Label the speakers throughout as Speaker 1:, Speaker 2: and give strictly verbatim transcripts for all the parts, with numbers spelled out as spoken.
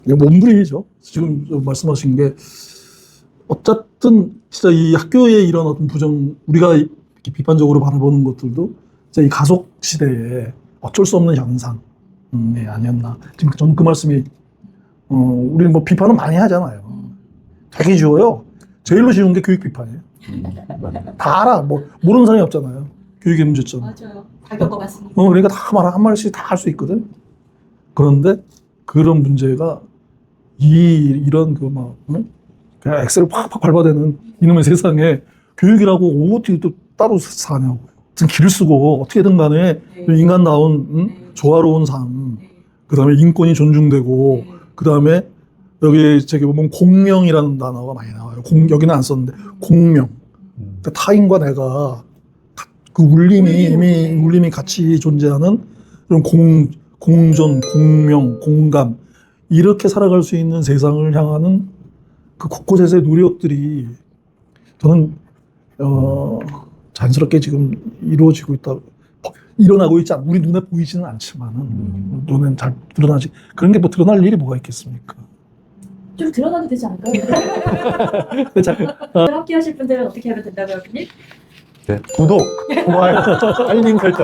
Speaker 1: 이게 몸부림이죠. 지금 말씀하신 게 어쨌든 진짜 이 학교의 이런 어떤 부정, 우리가 이렇게 비판적으로 바라보는 것들도 진짜 이 가속 시대에 어쩔 수 없는 현상이 아니었나. 지금 저는 그 말씀이 어, 우리는 뭐 비판은 많이 하잖아요. 되게 쉬워요. 제일로 쉬운 게 교육 비판이에요. 다 알아. 뭐 모르는 사람이 없잖아요. 교육의 문제점.
Speaker 2: 맞아요. 다 겪어봤으니까.
Speaker 1: 어, 그러니까 다 말, 한 마디씩 다 할 수 있거든. 그런데 그런 문제가 이, 이런 그 막, 응? 그냥 엑셀을 팍팍 밟아대는 이놈의 세상에 교육이라고 어떻게 또 따로 사냐고. 무슨 길을 쓰고 어떻게든 간에
Speaker 2: 네.
Speaker 1: 인간다운, 응?
Speaker 2: 네.
Speaker 1: 조화로운 삶.
Speaker 2: 네.
Speaker 1: 그 다음에 인권이 존중되고,
Speaker 2: 네.
Speaker 1: 그 다음에 여기 저기 보면 공명이라는 단어가 많이 나와요. 공, 여기는 안 썼는데, 공명. 그러니까 타인과 내가 그 울림이, 이미 울림이 같이 존재하는 그런 공, 공존, 공명, 공감. 이렇게 살아갈 수 있는 세상을 향하는 그 곳곳에서의 노력들이 저는, 어, 자연스럽게 지금 이루어지고 있다. 일어나고 있지 않, 우리 눈에 보이지는 않지만은,
Speaker 2: 음.
Speaker 1: 눈엔 잘 드러나지. 그런 게 뭐 드러날 일이 뭐가 있겠습니까?
Speaker 2: 좀 드러나도 되지 않을까요?
Speaker 1: 자,
Speaker 2: 함께 하실 분들은 어떻게 하면 된다고요, 교수님?
Speaker 3: 네. 구독, 좋아요, 알림 설정.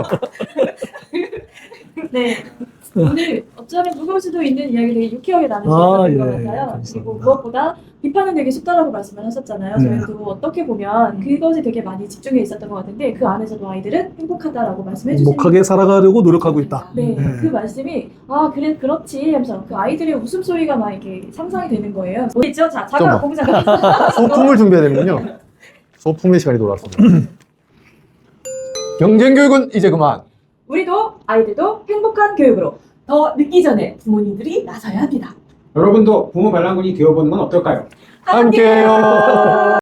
Speaker 2: 네. 오늘 어쩌면 무거울 수도 있는 이야기 되게 유쾌하게 나눌 수
Speaker 1: 아,
Speaker 2: 있었던 것
Speaker 1: 예,
Speaker 2: 같아요.
Speaker 1: 감사합니다.
Speaker 2: 그리고 무엇보다 비판은 되게 쉽다라고 말씀을 하셨잖아요.
Speaker 1: 네.
Speaker 2: 저희도 어떻게 보면 그것에 되게 많이 집중해 있었던 것 같은데 그 안에서도 아이들은 행복하다라고 말씀해 주시는
Speaker 1: 행복하게 살아가려고 노력하고 있다.
Speaker 2: 네,
Speaker 1: 네.
Speaker 2: 그 말씀이 아 그래 그렇지 하면서 그 아이들의 웃음소리가 막 이렇게 상상이 되는 거예요. 어디 있죠? 자, 자가
Speaker 3: 잠깐만.
Speaker 2: 공자가
Speaker 3: 소품을 준비해야 되는군요. 소품의 시간이 돌아왔습니다. 경쟁교육은 이제 그만.
Speaker 2: 우리도 아이들도 행복한 교육으로 더 늦기 전에 부모님들이 나서야 합니다.
Speaker 4: 여러분도 부모 반란군이 되어보는 건 어떨까요?
Speaker 3: 함께해요.